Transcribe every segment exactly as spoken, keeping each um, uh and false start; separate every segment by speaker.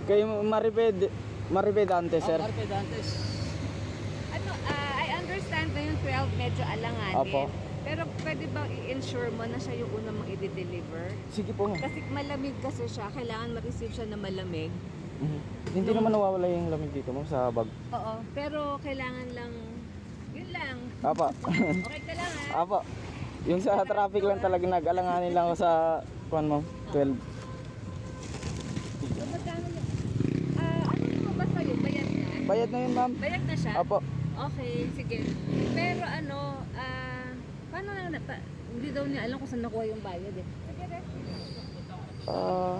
Speaker 1: Kay Maribed, Maribed Dantes, sir.
Speaker 2: Oh, Maribed Dantes.
Speaker 3: Ano, ah, I understand na yung twelve medyo alanganin.
Speaker 1: Opo.
Speaker 3: Pero pwede bang i-ensure mo na siya yung una mong i-deliver?
Speaker 1: Sige po, ma'am.
Speaker 3: Kasi malamig kasi siya, kailangan ma-receive siya na malamig.
Speaker 1: Mhm. Hindi naman nawawala yung lamig dito, ma'am, sa bag.
Speaker 3: Oo, pero kailangan lang, yun lang.
Speaker 1: Apa.
Speaker 3: Okay ka lang ha?
Speaker 1: Apa. Yung sa traffic lang talaga nag-alanganin lang ako sa kuan, ma'am. twelve.
Speaker 3: So, magkano yun? Ah, ano mo ba sa'yo? Bayad na?
Speaker 1: Bayad na yun, ma'am.
Speaker 3: Bayad na siya?
Speaker 1: Apo.
Speaker 3: Okay, sige. Pero ano, ah, paano na, na pa, hindi daw niya alam kung saan nakuha yung bayad eh. Sige, rest.
Speaker 1: Ah,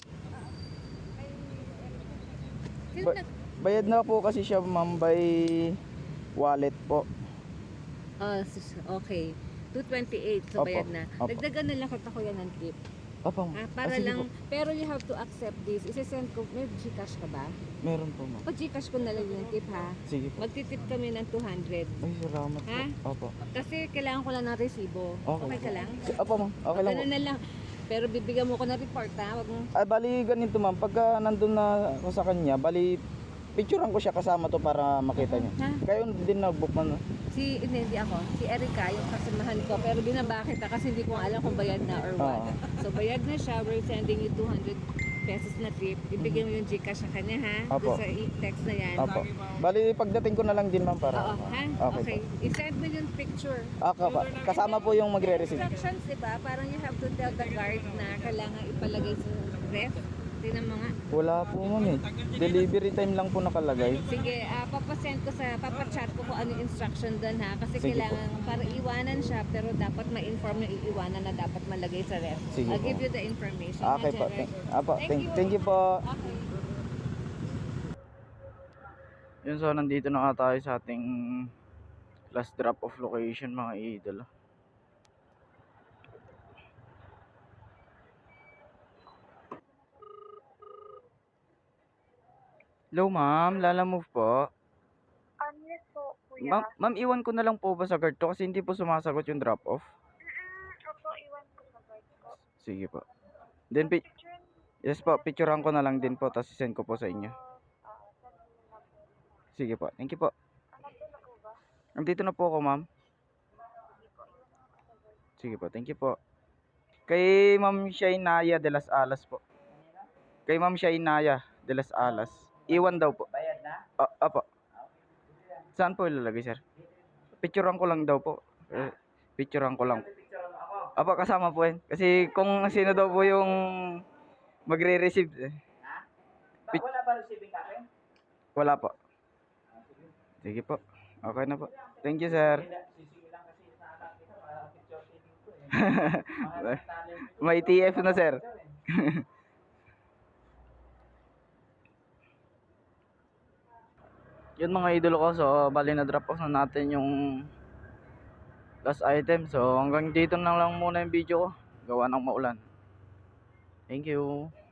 Speaker 3: Sino
Speaker 1: ba-
Speaker 3: nag...
Speaker 1: bayad na po kasi siya, ma'am, by wallet po.
Speaker 3: Ah, sus- okay. two twenty-eight, so
Speaker 1: Opo,
Speaker 3: bayad na.
Speaker 1: opo.
Speaker 3: Dagdagan na lang kita ko yan ng tip.
Speaker 1: Apa,
Speaker 3: Ah,
Speaker 1: ma'am.
Speaker 3: para
Speaker 1: Ah, sige
Speaker 3: lang,
Speaker 1: po.
Speaker 3: pero you have to accept this. Isesend ko, may Gcash ka ba?
Speaker 1: Meron po, ma'am.
Speaker 3: Pag Gcash ko na lang yung tip ha.
Speaker 1: Sige po.
Speaker 3: Magtitip kami ng two hundred.
Speaker 1: Ay, salamat po.
Speaker 3: Ha?
Speaker 1: Opo.
Speaker 3: Kasi kailangan ko lang ng resibo.
Speaker 1: Okay.
Speaker 3: Okay ka lang?
Speaker 1: Opo, ma'am. Okay lang po.
Speaker 3: Ganun na lang. Pero bibigyan mo ko ng report ha. Wag mo.
Speaker 1: Ay, bali ganito, ma'am. Pagka nandun na ako sa kanya, bali picturean ko siya kasama to para makita niya.
Speaker 3: Ha?
Speaker 1: Kayo din nag-book man.
Speaker 3: Si, hindi, hindi ako. Si Erica, yung kasamahan ko. Pero binaba kita kasi hindi ko alam kung bayad na or what.
Speaker 1: Oo.
Speaker 3: So bayad na siya. We're sending you two hundred pesos na tip. Ibigay mo yung Gcash sa kanya ha.
Speaker 1: Opo.
Speaker 3: Doon sa i-text na yan.
Speaker 1: Opo. Bali pagdating ko na lang din, ma'am, para.
Speaker 3: Oo, ha?
Speaker 1: Okay.
Speaker 3: Okay.
Speaker 1: Po.
Speaker 3: I-send mo yung picture.
Speaker 1: Okay pa. Kasama po yung magre-receive.
Speaker 3: Instructions, di ba? Parang you have to tell the guard na kailangan ipalagay sa ref. Tingnan mo nga.
Speaker 1: Wala po, ma'am, eh. Delivery time lang po nakalagay.
Speaker 3: Sige, ah, papasend ko sa, papachat ko kung ano yung instruction doon ha. Kasi
Speaker 1: Sige
Speaker 3: kailangan, para iwanan siya, pero dapat ma-inform yung iiwanan na dapat malagay sa ref.
Speaker 1: Sige
Speaker 3: I'll
Speaker 1: po.
Speaker 3: give you the information.
Speaker 1: Okay
Speaker 3: ha,
Speaker 1: po.
Speaker 3: Jared?
Speaker 1: Thank, apo,
Speaker 3: Thank
Speaker 1: thank,
Speaker 3: you.
Speaker 1: thank you po.
Speaker 3: Okay.
Speaker 1: Yun, so nandito na nga tayo sa ating last drop off location, mga idol. Hello, ma'am. Lala Move po.
Speaker 4: Um, yes po, kuya.
Speaker 1: Ma'am, ma'am, iwan ko na lang po ba sa guard to kasi hindi po sumasagot yung drop off.
Speaker 4: Mm-mm, opo, iwan ko sa guard ko.
Speaker 1: Sige po. Then, pi-
Speaker 4: Picture,
Speaker 1: yes po, picturean ko na lang din po tapos send ko po sa inyo.
Speaker 4: ah, saan mo na po?
Speaker 1: Sige po. Thank you po.
Speaker 4: Anak ko na po ba?
Speaker 1: Nandito na po ako, ma'am.
Speaker 4: Sige po, iwan ko sa guard.
Speaker 1: Sige po. Thank you po. Kay Ma'am Shainaya de las Alas po. Kay Ma'am Shainaya de las Alas. Iwan daw po.
Speaker 2: Bayad na?
Speaker 1: Ah, apo. Saan po ilalagay, sir? Picturean ko lang daw po. Eh, picturean ko lang.
Speaker 2: Picture mo ako.
Speaker 1: Apo, kasama po yan. Kasi kung sino daw po yung magre-receive. Eh,
Speaker 2: Ha? Ba,
Speaker 1: Pic-
Speaker 2: wala ba receiving copy?
Speaker 1: wala po. Sige po. Okay na po. Thank you, sir.
Speaker 2: Sisingin lang kasi sa anak kita, para picture taking ko eh. Mga talent.
Speaker 1: May T F na, sir. Yun, mga idolo ko. So, bali na drop off na natin yung last item. So, hanggang dito na lang muna yung video ko. Gawa ng maulan. Thank you.